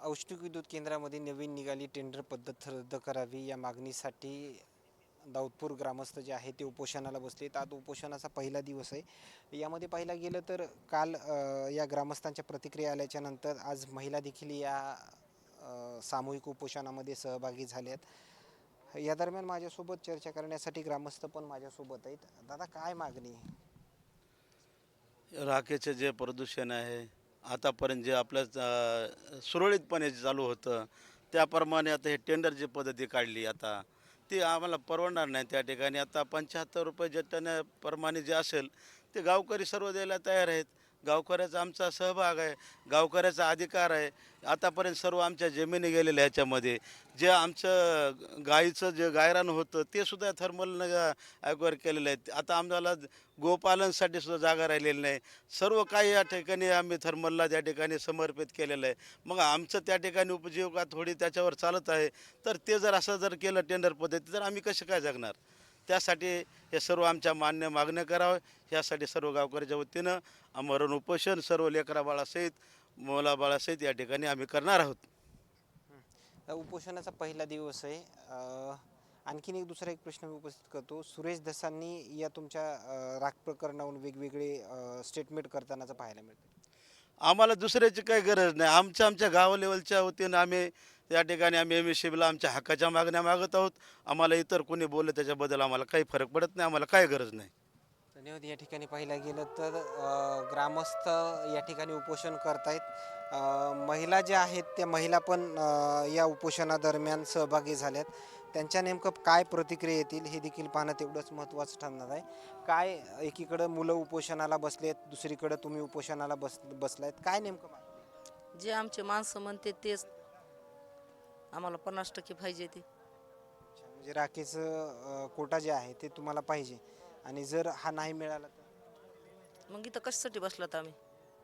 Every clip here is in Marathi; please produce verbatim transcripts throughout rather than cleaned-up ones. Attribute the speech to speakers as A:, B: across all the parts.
A: औष्णिक विद्युत केंद्रामध्ये नवीन निघाली टेंडर पद्धत रद्द करावी या मागणीसाठी दाऊदपूर ग्रामस्थ जे आहे ते उपोषणाला बसलेत. आज उपोषणाचा पहिला दिवस आहे. यामध्ये पाहायला गेलं तर काल अ, या ग्रामस्थांच्या प्रतिक्रिया आल्याच्या नंतर आज महिला देखील या अ, सामूहिक उपोषणामध्ये सहभागी झाल्यात. या दरम्यान माझ्यासोबत चर्चा करण्यासाठी ग्रामस्थ पण माझ्यासोबत आहेत. दादा, काय मागणी आहे?
B: राखेचे जे प्रदूषण आहे, आतापर्यंत जे आपल्या अ, सुरळीतपणे चालू होतं, त्याप्रमाणे आता हे टेंडरची पद्धती काढली आता, ती आम्हाला परवडणार नाही. त्या ठिकाणी आता पंच्याहत्तर रुपये जे टनाप्रमाणे जे असेल, ते गावकरी सर्व द्यायला तयार आहेत. गावकऱ्याचा आमचा सहभाग आहे, गावकऱ्याचा अधिकार आहे. आतापर्यंत सर्व आमच्या जमिनी गेलेल्या ह्याच्यामध्ये. जे आमचं गाईचं जे गायरान होतं, ते सुद्धा थर्मलनं ॲक्वायर केलेलं आहे. आता आम्हाला गोपालनसाठी सुद्धा जागा राहिलेली नाही. सर्व काही या ठिकाणी आम्ही थर्मलला त्या ठिकाणी समर्पित केलेलं आहे. मग आमचं त्या ठिकाणी उपजीविका थोडी त्याच्यावर चालत आहे. तर ते जर असं जर केलं टेंडर पद्धती, तर आम्ही कसे काय जगणार? त्यासाठी हे सर्व आमच्या मान्य मागण्या कराव्या. ह्यासाठी सर्व गावकऱ्याच्या वतीनं आमरण उपोषण सर्व लेकराबाळासहित, मुलाबाळासहित या ठिकाणी आम्ही करणार आहोत.
A: हं. उपोषणाचा पहिला दिवस आहे. अ, आणखीन एक दुसरा एक प्रश्न मी उपस्थित करतो. सुरेश धसांनी या तुमच्या अ, राग प्रकरणावरून वेगवेगळे अ, स्टेटमेंट करतानाचं पाहायला मिळतं.
B: आम्हाला दुसऱ्याची काही गरज नाही. आमच्या आमच्या गाव लेवलच्या वतीनं आम्ही त्या ठिकाणी आम्ही एम एस सी बीला आमच्या हक्काच्या मागण्या मागत आहोत. आम्हाला इतर कोणी बोललं त्याच्याबद्दल आम्हाला काही फरक पडत नाही. आम्हाला काही गरज नाही.
A: धन्यवाद. या ठिकाणी पाहायला गेलं तर अ, ग्रामस्थ या ठिकाणी उपोषण करतायत. अ, महिला ज्या आहेत त्या महिला पण अ, या उपोषणादरम्यान सहभागी झाल्यात. त्यांच्या नेमकं काय प्रतिक्रिया येतील हे देखील पाहणं तेवढंच महत्त्वाचं ठरणार आहे. काय एकीकडं मुलं उपोषणाला बसलेत, दुसरीकडं तुम्ही उपोषणाला बस बसलायत. काय नेमकं मागणी आहे?
C: जे आमचे माणसं म्हणते तेच आम्हाला पन्नास टक्के पाहिजे ते.
A: अच्छा, म्हणजे राखेचं अ, कोटा जे आहे ते तुम्हाला पाहिजे आणि जर हा नाही मिळाला तर
C: मग इथं कशासाठी बसलात आम्ही?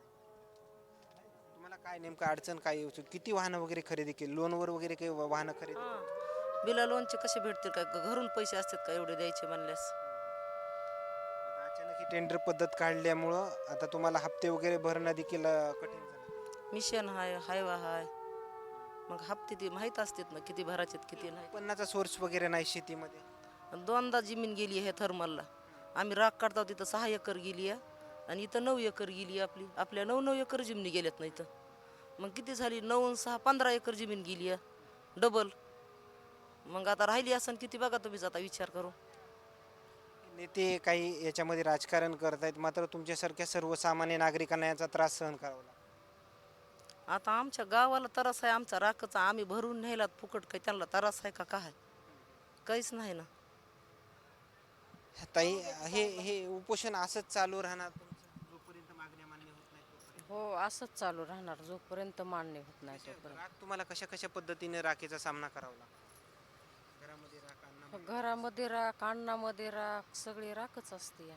A: तुम्हाला काय नेमकं अडचण काय येऊ शकते? किती वाहनं वगैरे खरेदी केली? लोनवर वगैरे काही वा- वाहनं खरेदी केली?
C: हां, बिला लोनचे कसे भेटतील काय? ग- घरून पैसे असतात का एवढे द्यायचे म्हणल्यास?
A: आता अचानक ही टेंडर पद्धत काढल्यामुळं आता तुम्हाला हप्ते वगैरे भरणं देखील अ, कठीण झालं.
C: मिशन हाय, हायवा हाय. मग हप्ते ते माहीत असतात ना किती भरायचे किती नाही.
A: उत्पन्नाचा सोर्स वगैरे नाही शेतीमध्ये.
C: आणि दोनदा जमीन गेली आहे थर्मलला. आम्ही राग काढतो तिथं सहा एकर गेली आहे आणि इथं नऊ एकर गेली आहे आपली. आपल्या नऊ नऊ एकर जमिनी गेल्यात ना इथं. मग किती झाली? नऊ आणि सहा पंधरा एकर जमीन गेली आहे डबल. मग आता राहिली असन किती बघा तुम्हीच आता विचार करू.
A: नेते काही याच्यामध्ये राजकारण करतायत, मात्र तुमच्यासारख्या सर्वसामान्य नागरिकांना याचा त्रास सहन करावा लागतो.
C: आता आमच्या गावाला तरास आहे आमचा राखचा. आम्ही भरून न्यायलात फुकट काही त्यांना तरास आहे का काय? काहीच नाही ना.
A: ताई, हे हे उपोषण असंच चालू राहणार तुमचं जोपर्यंत मागण्या मान्य होत नाही तोपर्यंत?
D: हो, असंच चालू राहणार जोपर्यंत मान्य होत नाही
A: कशा
D: तोपर्यंत.
A: राग तुम्हाला कशा कशा पद्धतीने राखेचा सामना करावा लागतो? घरामध्ये राख, अन्नामध्ये राख.
D: घरामध्ये राख, अन्नामध्ये राख, सगळी राखच असते.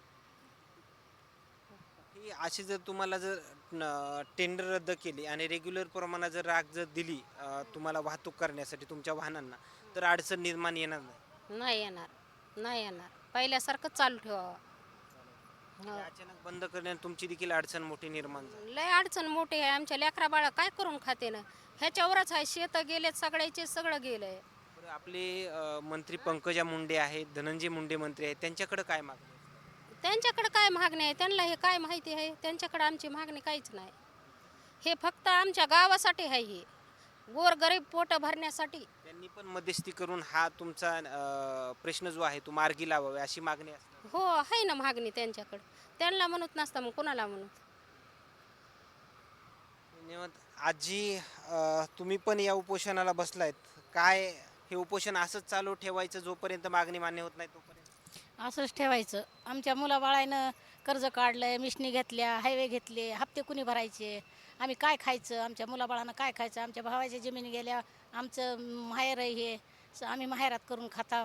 A: ही अशी जर तुम्हाला जर टेंडर रद्द केली आणि रेग्युलर प्रमाणात जर राख जर दिली अ, तुम्हाला वाहतूक करण्यासाठी तुमच्या वाहनांना, तर अडचण निर्माण येणार नाही.
E: नाही येणार, नाही येणार. पहिल्यासारखं चालू ठेवावं.
A: ते
E: हो.
A: अचानक बंद करण्यात तुमची देखील अडचण मोठी निर्माण झाली.
E: लय अडचण मोठी आहे. आमच्या लेकरा बाळा काय करून खाते ना. ह्याच्यावरच आहे. शेत गेलेत सगळ्याचे, सगळं गेलंय.
A: बरं, आपले अ, मंत्री पंकजा मुंडे आहेत, धनंजय मुंडे मंत्री आहेत, त्यांच्याकडे काय मागणी आहे?
E: त्यांच्याकडे काय मागणी आहे? त्यांना हे काय माहिती आहे? त्यांच्याकडे आमची मागणी काहीच नाही. हे फक्त आमच्या गावासाठी आहे. हे गोरगरीब पोट भरण्यासाठी.
A: त्यांनी पण मध्यस्थी करून हा तुमचा अ, प्रश्न जो आहे तो मार्गी लावावा अशी मागणी असते.
E: हो, आहे ना मागणी त्यांच्याकडे. त्यांना म्हणत नसता मग कोणाला म्हणत?
A: धन्यवाद. आजी, अ, तुम्ही पण या उपोषणाला बसलायत. काय हे उपोषण असंच चालू ठेवायचं जोपर्यंत मागणी मान्य होत नाही तोपर्यंत?
F: असंच ठेवायचं. आमच्या मुलाबाळानं कर्ज काढलंय, मिशनी घेतल्या, हायवे घेतले, हप्ते कुणी भरायचे? आम्ही काय खायचं? आमच्या मुलाबाळानं काय खायचं? आमच्या भावाच्या जमिनी गेल्या, आमचं माहेर आहे हे, स- आम्ही माहेरात करून खाताव.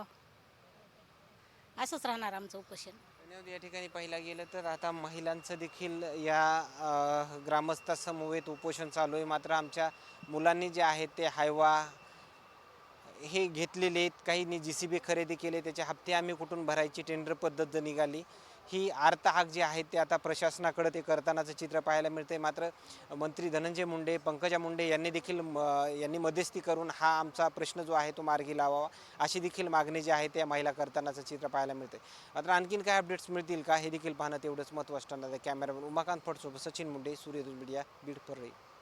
F: असंच राहणार आमचं उपोषण.
A: धन्यवाद. या ठिकाणी पाहिला गेलं तर आता महिलांचं देखील या अ, ग्रामस्थासमवेत उपोषण चालू आहे. मात्र आमच्या मुलांनी जे आहेत ते हायवा हे घेतलेले आहेत. काहींनी जी सी बी खरेदी केले, त्याचे हप्ते आम्ही कुठून भरायची टेंडर पद्धत निघाली. ही आर्त हाक जी आहे ते आता प्रशासनाकडे ते करतानाचं चित्र पाहायला मिळते. मात्र मंत्री धनंजय मुंडे, पंकजा मुंडे यांनी देखील यांनी मध्यस्थी करून हा आमचा प्रश्न जो आहे तो मार्गी लावावा अशी देखील मागणी जी आहे त्या महिला करतानाचं चित्र पाहायला मिळते. मात्र आणखीन काय अपडेट्स मिळतील का हे देखील पाहणं तेवढंच महत्त्वाचं ठरणार आहे. कॅमेरामॅन उमाकांत फडसोबत सचिन मुंडे, सूर्यदूत मीडिया, बीड परळी.